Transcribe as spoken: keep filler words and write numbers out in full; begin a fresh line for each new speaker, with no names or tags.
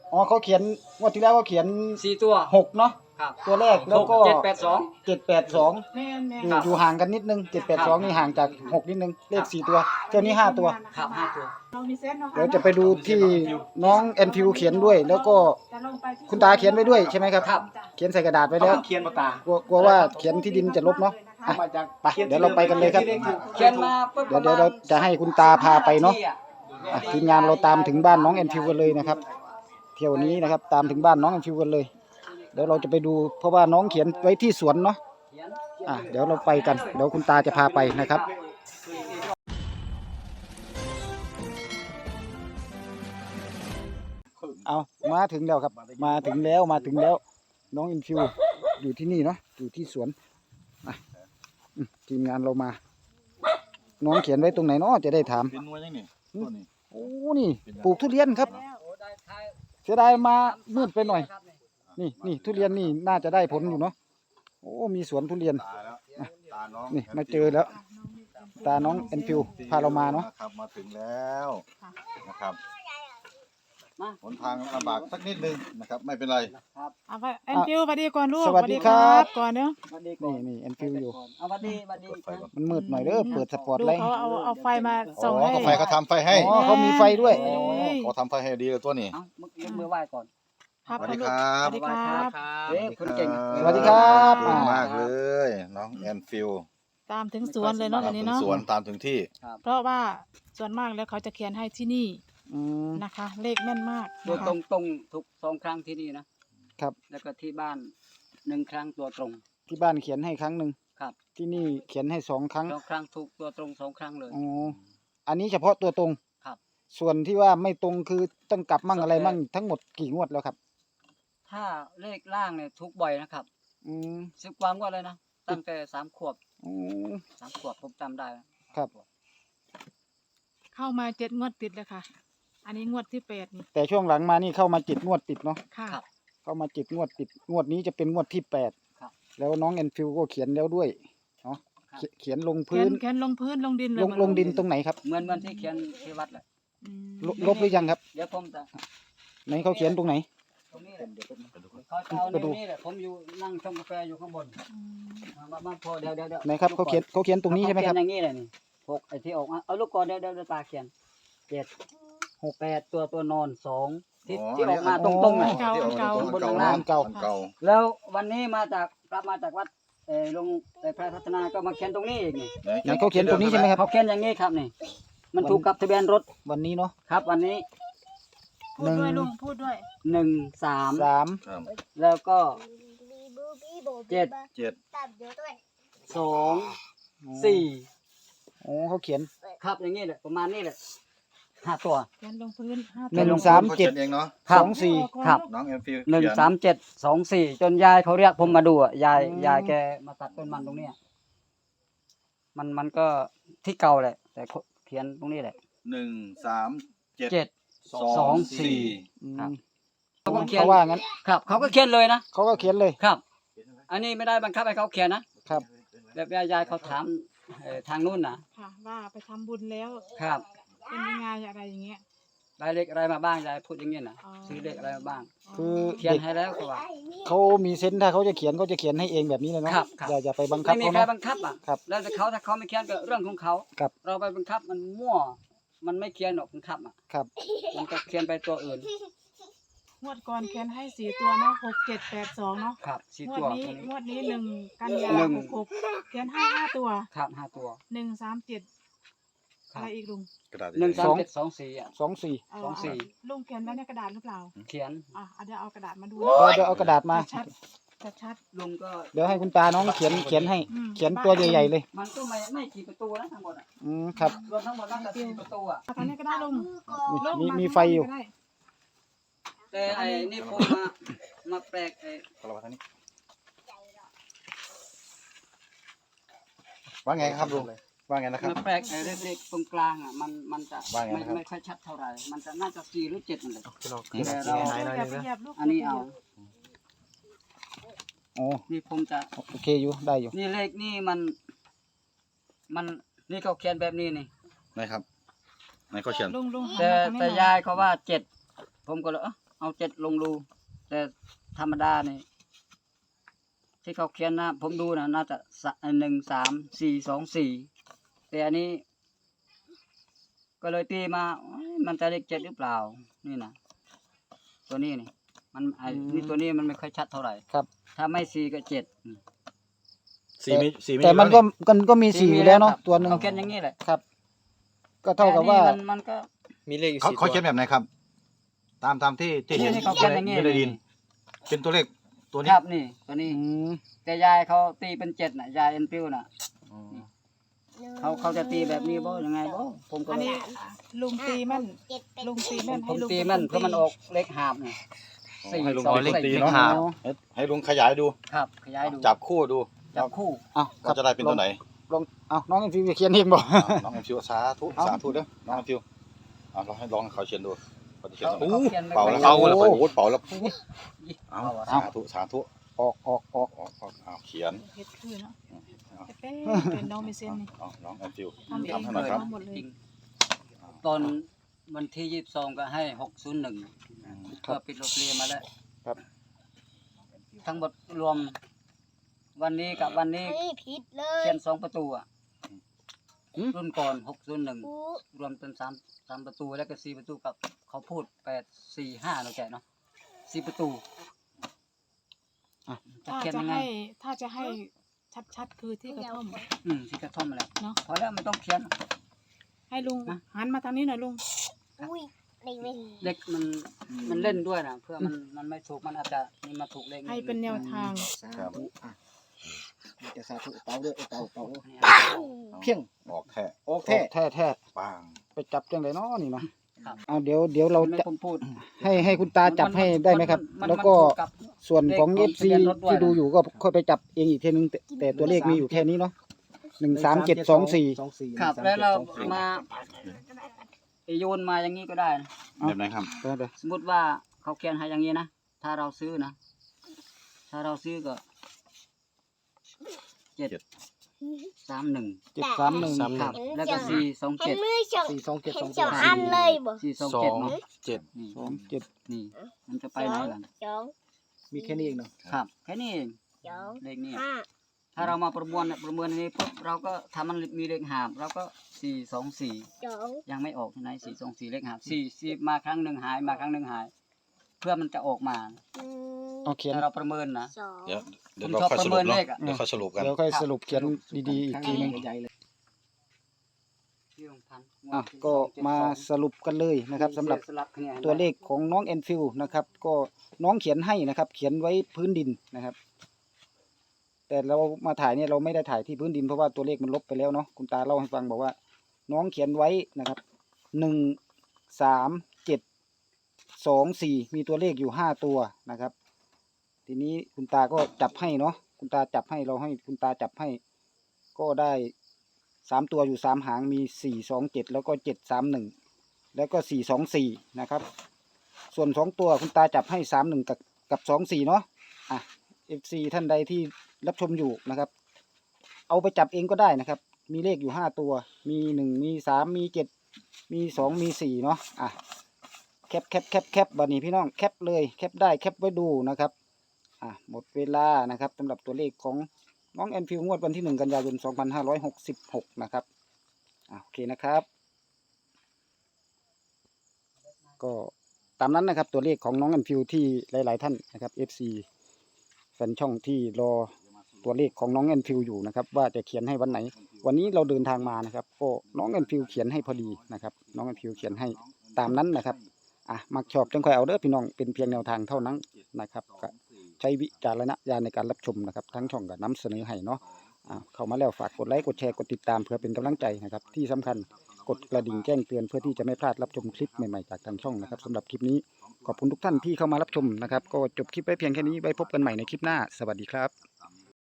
อ๋อเขาเขียนงวดที่แล้วเขาเขียน
สี่ตัว
หกเนาะ
ครับ
ตัวแรกแล้วก็
เจ็ดแปดสอง
เจ็ดแปดสอง
แม่นแม่
อยู่อยู่ห่างกันนิดนึงเจ็ดแปดสองนี่ห่างจากหกนิดนึงเลขสี่ตัวเจ้านี้ห้าตัว
ครับห้าตัว
เรามีเซนต์เนาะ
เดี๋ยวจะไปดูที่น้องแอนฟิวเขียนด้วย แล้วก็คุณตาเขียนไว้ด้วยใช่ไหมครับ
ครับ
เขียนใส่กระดาษไว้แล้ว
เขียนปากกาก
ลัวกลัวว่าเขียนที่ดินจะลบเนาะอ่ะ
มาจาก
ไปเดี๋ยวเราไปกันเลยครับ
เขียนมาปุ๊บ
เดี๋ยวเดี๋ยวเราจะให้คุณตาพาไปเนาะอ่ะทีมงานเราตามถึงบ้านน้องแอนฟิวกันเลยนะครับเที่ยวนี้นะครับตามถึงบ้านน้องแอนฟิวกันเลยเดี๋ยวเราจะไปดูเพราะว่าน้องเขียนไว้ที่สวนเนาะอ่ะเดี๋ยวเราไปกันเดี๋ยวคุณตาจะพาไปนะครับเอามาถึงแล้วครับมาถึงแล้วมาถึงแล้วน้องแอนฟิวอยู่ที่นี่เนาะอยู่ที่สวนอ่ะอืมทีมงานเรามาน้องเขียนไว้ตรงไหนเนาะจะได้ถาม
เป็นนัวยังนี่ตัวนี้
โอ้นี่ปลูกทุเรียนครับเสียดายมามืดไปหน่อย นี่นี่ทุเรียนนี่น่าจะได้ผลอยู่เนาะโอ้มีสวนทุเรียน
ตาแล้วตาน้อง
นี่มาเจอแล้ว ตาน้องแอนฟิวพาเรามาเนาะ
ครับมาถึงแล้วนะครับหนทางลำบากสักนิดนึงนะครับไม่เป็นไร
เอาไปแอนฟิวสวัสดีก่อนลูก
สวัสดีครับ
ก่อนเนาะ
นี่นี่แอนฟิวอยู่
เอาวัดดีวัดดี
มันมืดหน่อยเด้อเปิดสปอต
ดู
ไลท์
เขาเอาเอาไฟมาส่อง
อ๋อ
ให้
ก็ไฟเขาทำไฟให้
อ๋อเขามีไฟด้วย
เอ้ย
เขาทำไฟให้ดีเลยตัวนี้
เอายกมือไหว้ก่อน
ครับ
สวัสดี
ลูก
ครับ
สวัสดีครับ
เอ๊ะคุณเก่ง
สวัสดีครับ
เก่งมากเลยน้องแอนฟิล
ตามถึงสวนเลยเนาะ
ตา
วั
ม
นนี้
ถึง
เนาะ
สวนตามถึงที่
เพราะว่าส่วนมากแล้วเขาจะเขียนให้ที่นี่
อืม
นะคะ เลขแม่นมาก
ตัว
นะคะ
ตรงตรงๆทุกสองครั้งที่นี่นะครับ แล้วก็ที่บ้านหนึ่งครั้งตัวตรง
ที่บ้านเขียนให้ครั้งหนึ่ง
ครับ
ที่นี่เขียนให้สองครั้ง
สองครั้งถูกตัวตรงสองครั้งเลย
อ๋ออันนี้เฉพาะตัวตรง
ครับ
ส่วนที่ว่าไม่ตรงคือต้องกลับมั่งอะไรมั่งทั้งหมดกี่งวดแล้วครับ
ถ้าเลขล่างเนี่ยทุกบ่อยนะครับ
อืม
สิบกว่าก็เลยนะตั้งแต่สามขวบ
อืม
สามขวบผมจำได้
ครับ
เข้ามาเจ็ดงวดติดเลยค่ะ อันนี้งวดที่แปดนี่
แต่ช่วงหลังมานี่เข้ามาจิตงวดติดเนาะ
ค่ะ
ครับ
เข้ามาจิตงวดติดงวดนี้จะเป็นงวดที่แปด
ครับ
แล้วน้องแอนฟิวก็เขียนแล้วด้วยเนาะ
ครับ
เขียเขียนลง
เขี
พื้
ย
น
นเขียนลงพื้นลงดินเลย
ลง
มัน
ลงดินตรงไหนครับ
เหมือนเหมือนที่เขียนที่วัดเลย
อืม
ลลบหรือยังครับ
เดี๋ยวผมจะ
ไหนเขาเขียนตรงไหน
ตรงนี้แหละเขาจะเอา
ไปดู
ในนี่แหละผมอยู่นั่งชงกาแฟอยู่ข้างบน
อืม
มามามาพอเดี๋ยวเดี๋ยวเดี๋ยว
ไหนครับเขาเขียนเขาเขียนตรงนี้ใช่ไหมครับ
เขาเขียนอย่างนี้เลยนี่หกไอ้ที่ออกมาเอาลูกก่อนเดี๋ยวเดี๋ยวเดี๋ยวตาเขียนเจ็ดหกแปดตัวตัวนอนสองที่
อ๋อ
ที่ออกมา
อัน
ต
นี้
รงๆน่ะ
เก่าอันเก่า
อันเก่า
อันเก่า
อันเก่า
แล้ววันนี้มาจากกลับมาจากวัดเออลงเอ่อพระพัฒนาก็มาเขียนตรงนี้อีกนี่
ไหนเขาเขียนตรงนี้ใช่ไหมครับ
เขาเขียนอย่างนี้ครับนี่ มันถูกกับทะเบียนรถ
วันนี้เนาะ
ครับ วันนี้
พูดด้วยลุงพูดด้วย
หนึ่งสาม
สาม
ครับ
แล้วก็เจ็ด
เจ็ด
สองสี่
โอ้เขาเขียน
ครับอย่างนี้แหละประมาณนี้แหละห้าตัว
เขียนลงพื้นห้า
หนึ่ง
ตัว
สามเจ็ด
ขขียนเองเนาะ
ครั
ส
บ
องสี่
ครับ
น้องแอนฟิล
หนึ่ง
เขีย
สามเจ็ดสองสี่จนยายเขาเรียกผมมาดูอ่ะยาย
อืม
ยายแกมาตัดต้นมันตรงเนี้ยมันมันก็ที่เก่าแหละ แต่เขียนตรงนี้แหละ
หนึ่งสามเจ็ด
เจ็ด สองสี่
อืม
ครับ เขาก็เขียน
เขาว่างั้น
ครับเขาก็เขียนเลยนะ
เขาก็เขียนเลย
ครับ อันนี้ไม่ได้บังคับให้เขาเขียนนะครับ แบบยายเขาถามเอ่อทางนู้นนะ
ค่ะว่าไปทำบุญแล้ว
ครับ
เป็นยังไงอะไรอย่างเงี้ย
ได้เลขอะไรมาบ้างยายพูดอย่างนี้นะ
อ๋อ
ซื้อเลขอะไรมาบ้าง
คือ
เขียน
เด็ก
ให้แล้วเขาว่า
เขามีเซนส์ถ้าเขาจะเขียนเขาจะเขียนให้เองแบบนี้เลยเนาะ
ครับครับ
อย่าอย่าไปบังคับ
ไม่มี
เขา
ใคร
เนาะ
บังคับอ่ะ
ครับ
แล้วแต่เขาถ้าเขาไม่เขียนก็เรื่องของเขา
ครับ
เราไปบังคับมันมั่ว มันไม่เขียนหรอกบังคับอ่ะ
ครับ
มันก็เขียนไปตัวอื่น
งวดก่อนเขียนให้สี่ตัวเนาะหกเจ็ดแปดสองเนาะ
ครับสี่
งว
ตั
ด
ว
นี้
ตัวนี้
งวดนี้หนึ่งกันยา
หนึ่ง
หกหกเขียนให้ห้าตัว
ครับห้าตัว
หนึ่งสามเจ็ด
ครั
อะ
บ
ไรอีกลุง
กระดาษ
หนึ่ง
ให
สา
ญ่
มเจ็ดสองสี่อ่ะ
สองสี่
เา
สองสี่
ลุงเขียนไว้ในกระดาษหรือเปล่า
เขียน
อ่ะเอาเดี๋ยวเอากระดาษมาดู
เดี๋ยวเดี๋ยวเอากระดาษมา
ชัดชัดชัด
ลุงก็
เดี๋ยวให้คุณตาน้องเขียนเขียนให้
อืม
เขียนตัวใหญ่ๆเลย
มันก็ไม่ไม่กี่ประตูนะทั้งหมดอ่ะ
อืมครับ
รวมทั้งหมดน่าจะสี่ประตูอ่ะ
เอาตอนนี้ก็ได้ลุง
มี
ลุง
มี
า
ไฟอยู่
ก็ด้
แต่ไอ้นี่ผมมามาแปลกไอ้
เรามาทางนี้ว่าไงครับลุงว่าไงนะครับ
มาแปลกไอ้เลขๆตรงกลางอ่ะมันมันจะ
ว่าไง
ไม่
นะครับ
ไม่ค่อยชัดเท่าไหร่มันจะน่าจะสี่หรือเจ็ดนั่นแหละ
นี่
แต่เรา
อย่าไปเหยียบลูก
อันนี้เอา
โอ้
นี่ผมจะ
โอเคอยู่ได้อยู่
นี่เลขนี่มัน มันนี่เขาเขียนแบบนี้นี่
ไหนครับไหนเขาเขียน
ลุงลุงหัน
แต่
มาทางนี้
แต่
หน่อย
ยายเขาว่าเจ็ดผมก็เลยเอ้อเอาเจ็ดลงดู แต่ธรรมดาเนี่ยที่เขาเขียนนะผมดูนะน่าจะหนึ่งสามสี่สองสี่แต่อันนี้ ก็เลยตีมามันจะเลขเจ็ดหรือเปล่านี่นะตัวนี้นี่มันไอ้นี่ตัวนี้มันไม่ค่อยชัดเท่าไหร่
ครับ
ถ้าไม่สี่ก็เจ็ด
สี่มีสี่มี
แต่มันก็
อยู่
มันก็มีสี่อยู่แล้วเนาะตัวหนึ่ง
เขาเขียนอย่างนี้แหละ
ครับ ก็เท่ากับว่า
แต่อันนี้มันมันก็
มีเลขอยู่
เขา
สี่
เขา
ตัว
เขียนแบบไหนครับ ตามตามที่ที่เห็น
นี่เขาเขียนอย่างนี้
ไม่ได้ดิน เป็นตัวเลขตัวนี้
ครับนี่ตัวนี้
อืม
แต่ยายเขาตีเป็นเจ็ดน่ะยายเอ็นพิวน่ะ
อ๋อ
เขาเขาจะตีแบบนี้บ่ยังไงบ่ผมก็
อัน
เลย
นี้ลุงตีแม่นลุงตีแม่น
ผ
ให้
ม
ลุง
ตี
เป็
มัน
ค
เพราะมันออกเลขหาบนี่สี่
ให้ลุง
สอง
ตี
สี่
เนาะ
ครับ
ให้ให้ลุงขยายดู
ครับขยายดู
จับคู่ดู
จับคู่
เอาครั
ว่า
บ
จะได้เป็นตัวไหน
ลองเอาน้องเอ็นฟิวเขียนเองบอก
อ่าน้องแอมฟิวสาธุ
เอา
สาธุเด้อน้องแอมฟิวเอาเราให้ลองให้เขาเขียนดูเขาจะเขียน
เขา
ตัวไหน
เขาเขียนไม่
เป่า
ค่อย
แล้ว
ชั
เขา
ด
แล้วโอ้โหเป่าแล้วเอา
เอา
สาธุสาธุ
ออกออกออก
เอาเอาเอาเขียน
เฮ็ดคือเนาะ
เอา
เป๊ะเป็นน้องมีเส้นนี่
เอาน้องแอมฟิว
ทำเอง
ทำให้หน่อยครับ
ทำหมดเลย
จริงตอนวันที่ยี่สิบสองก็ให้หกศูนย์หนึ่ง ก็ปิดโรงเรียนมาแล้ว
ครับ
ทั้งหมดรวม วันนี้กับวันนี้
ไม่ผิดเล
เขี
ย
ยนสองประตูอ่ะ
หืม
รุ่นก่อนหกศูนย์หนึ่ง
กู
รวมเป็นสามสามประตูแล้วก็สี่ประตูกับเขาพูดแปดสี่ห้าเนาะแกเนาะสี่ประตู
อ่ะ
จะ
ถ้า
เขียน
จะ
ยังไง
ให้ถ้าจะให้ชัดๆคือที่กระท่อม
อืมที่กระท่อมมาแล้ว
เนาะ
พอแล้วไม่ต้องเขียน
ให้ลุง
นะ
หันมาทางนี้หน่อยลุง
อุ้ยไม่ไม่
เด็กมันมันเล่นด้วยนะเพื่อมันมันไม่ถูกมันอาจจะนี่มาถูกเลข
ให้เป็นแนวทาง
ครับ
จะสาธุเป่าด้วยเป่าเป่า
อันนี้
เพียง
ออกแค่
โอเคแท้แท้
ปัง
ไปจับจังเลยเนาะนี่เนาะ
ครับ
เอาเดี๋ยวเดี๋ยวเรา
ไม่
จะ
ผมพูด
ให้ให้คุณตาจับให้ได้ไหมครับ
นน
แล้วก็
มันถูกับ
ส่วนของ
เล
เอ
ข
ฟ
ของ
ซี
ทะเบียนรถด้วย
ที่ดูอยู่ก็ค่อยไปจับเองอีกทีนึงแต่แต่ตัวเลขมีอยู่แค่นี้เนาะหนึ่งสามเจ็ดสองสี่
ครับแล้วเรามาโยนมาอย่างนี้ก็ได้นะ
แบบไหนครับ
เดี๋ยวเดี๋ยว
สมมติว่าเขาเขียนให้อย่างนี้นะถ้าเราซื้อนะถ้าเราซื้อก็เจ็ดสามหนึ่ง
เจ็ดสามหนึ่ง
ครับ แล้วก็สี่สอง
เห็
เจ็
น
ด
มือสอง
สี่สองเจ็ด
เห็
ส
น
อง
สองอันเลยบ่
สี่สอง
สอ
เจ็ด
ง
เนาะ
เจ็ด
นี่
สองเจ็ด
นี่มันจะไป
ส
ไหน
อง
ล่ะ
สอง
มีแค่นี้เองเนาะ
ครับแค่นี้เอง
สอง
เลขนี้
ห้า
ถ้าเรามาประมวลเนี่ยประเมินอันนี้ปุ๊บเราก็ทำมันมีเลขหาบเราก็สี่สองสี่
สอง
ยังไม่ออกที่ไหนสี่สองสี่เลขหาบสี่สี่มาครั้งหนึ่งหายมาครั้งหนึ่งหาย เพื่อมันจะออกมา
อืม
เอาเขียน
ถ้าเราประเมินนะ
สอง
เดี๋ยวเดี๋ยว
ผม
เรา
ชอบ
ค่อย
ป
ส
ระ
รุ
เมิ
ป
น
เนาะ
เลขอะ
เดี๋ยวค่อยสรุปกัน
เดี๋ยวค่อยสรุปเขียนดีๆอีกทีนึง อ่ะก็มาสรุปกันเลยนะครับสำหรับตัวเลขของน้องแอนฟิลนะครับ ก็น้องเขียนให้นะครับ เขียนไว้พื้นดินนะครับ แต่เรามาถ่ายเนี่ยเราไม่ได้ถ่ายที่พื้นดินเพราะว่าตัวเลขมันลบไปแล้วเนาะคุณตาเล่าให้ฟังบอกว่า น้องเขียนไว้นะครับหนึ่งสามเจ็ดสองสี่มีตัวเลขอยู่ห้าตัวนะครับ ทีนี้คุณตาก็จับให้เนาะคุณตาจับให้เราให้คุณตาจับให้ ก็ได้สามตัวอยู่สามหางมีสี่สองเจ็ดแล้วก็เจ็ดสามหนึ่งแล้วก็สี่สองสี่นะครับ ส่วนสองตัวคุณตาจับให้สามหนึ่งกับกับสองสี่เนาะอ่ะเอฟซีท่านใดที่รับชมอยู่นะครับ เอาไปจับเองก็ได้นะครับ มีเลขอยู่ห้าตัว มีหนึ่งมีสามมีเจ็ดมีสองมีสี่เนาะอ่ะแคปแคปแคปแคปบัดนี้พี่น้องแคปเลยแคปได้แคปไว้ดูนะครับอ่ะหมดเวลานะครับสำหรับตัวเลขของน้องแอนฟิวงวดวันที่หนึ่งกันยายนสองพันห้าร้อยหกสิบหกนะครับอ่ะโอเคนะครับ ก็ตามนั้นนะครับตัวเลขของน้องแอนฟิวที่หลายๆท่านนะครับ เอฟ ซี แฟนช่องที่รอตัวเลขของน้องแอนฟิวอยู่นะครับว่าจะเขียนให้วันไหน วันนี้เราเดินทางมานะครับก็น้องแอนฟิวเขียนให้พอดีนะครับน้องแอนฟิวเขียนให้ตามนั้นนะครับอ่ะมักชอบจังค่อยเอาเด้อพี่น้องเป็นเพียงแนวทางเท่านั้นนะครับก็ใช้วิจารณญาณในการรับชมนะครับทั้งช่องก็นำเสนอให้เนาะอ่ะเข้ามาแล้วฝากกดไลค์กดแชร์กดติดตามเพื่อเป็นกำลังใจนะครับที่สำคัญกดกระดิ่งแจ้งเตือนเพื่อที่จะไม่พลาดรับชมคลิปใหม่ๆจากทางช่องนะครับสำหรับคลิปนี้ขอบคุณทุกท่านที่เข้ามารับชมนะครับก็จบคลิปไว้เพียงแค่นี้ไว้พบกันใหม่ในคลิปหน้าสวัสดีครับ